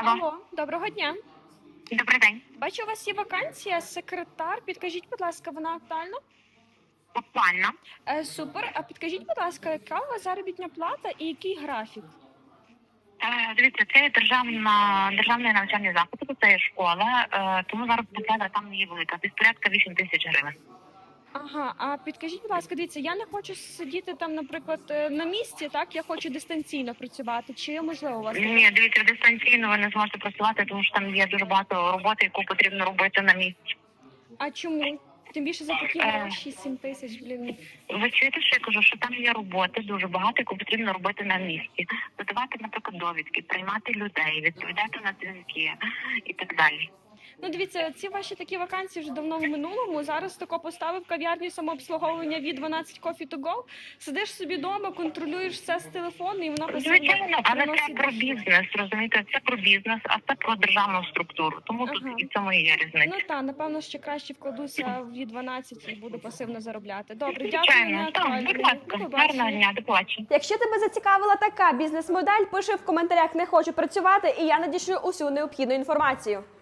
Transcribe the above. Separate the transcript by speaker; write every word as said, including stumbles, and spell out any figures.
Speaker 1: Алло.
Speaker 2: Алло, доброго дня.
Speaker 1: Добрий день.
Speaker 2: Бачу, у вас є вакансія секретар. Підкажіть, будь ласка, вона актуальна?
Speaker 1: Буквально.
Speaker 2: Е, супер. А підкажіть, будь ласка, яка у вас заробітна плата і який графік?
Speaker 1: Е, Дивіться, це є державна, державний навчальний заклад, тобто це є школа, е, тому зараз плата там не є велика. Десь порядка вісім тисяч гривень.
Speaker 2: Ага, а підкажіть, будь ласка, дивіться, я не хочу сидіти там, наприклад, е, на місці, так? Я хочу дистанційно працювати. Чи можливо у вас таке?
Speaker 1: Ні, дивіться, дистанційно ви не зможете працювати, тому що там є дуже багато роботи, яку потрібно робити на місці.
Speaker 2: А чому? Тим більше за такі
Speaker 1: Е.
Speaker 2: гроші сім тисяч, блін.
Speaker 1: Ви чуєте, що я кажу, що там є роботи дуже багато, яку потрібно робити на місці. Подавати, наприклад, довідки, приймати людей, відповідати на дзвінки і так далі.
Speaker 2: Ну, дивіться, ці ваші такі вакансії вже давно в минулому. Зараз тако поставив кав'ярню самообслуговування від дванадцять Coffee to Go. Сидиш собі вдома, контролюєш все з телефону, і воно
Speaker 1: Звичайно, але це
Speaker 2: приносить
Speaker 1: про
Speaker 2: дохід.
Speaker 1: бізнес, розумієте, це про бізнес, а це про державну структуру. Тому тут
Speaker 2: Ага.
Speaker 1: і в цьому і є різниця.
Speaker 2: Ну так, напевно, ще краще вкладуся в дванадцять і буду пасивно заробляти. Добре, дякую.
Speaker 1: Звичайно,
Speaker 2: не
Speaker 1: так,
Speaker 2: актуально.
Speaker 1: будь
Speaker 2: До
Speaker 1: ласка,
Speaker 2: побачення.
Speaker 1: гарного дня, до побачення.
Speaker 3: Якщо тебе зацікавила така бізнес-модель, пиши в коментарях «Не хочу працювати» і я надішлю усю необхідну інформацію.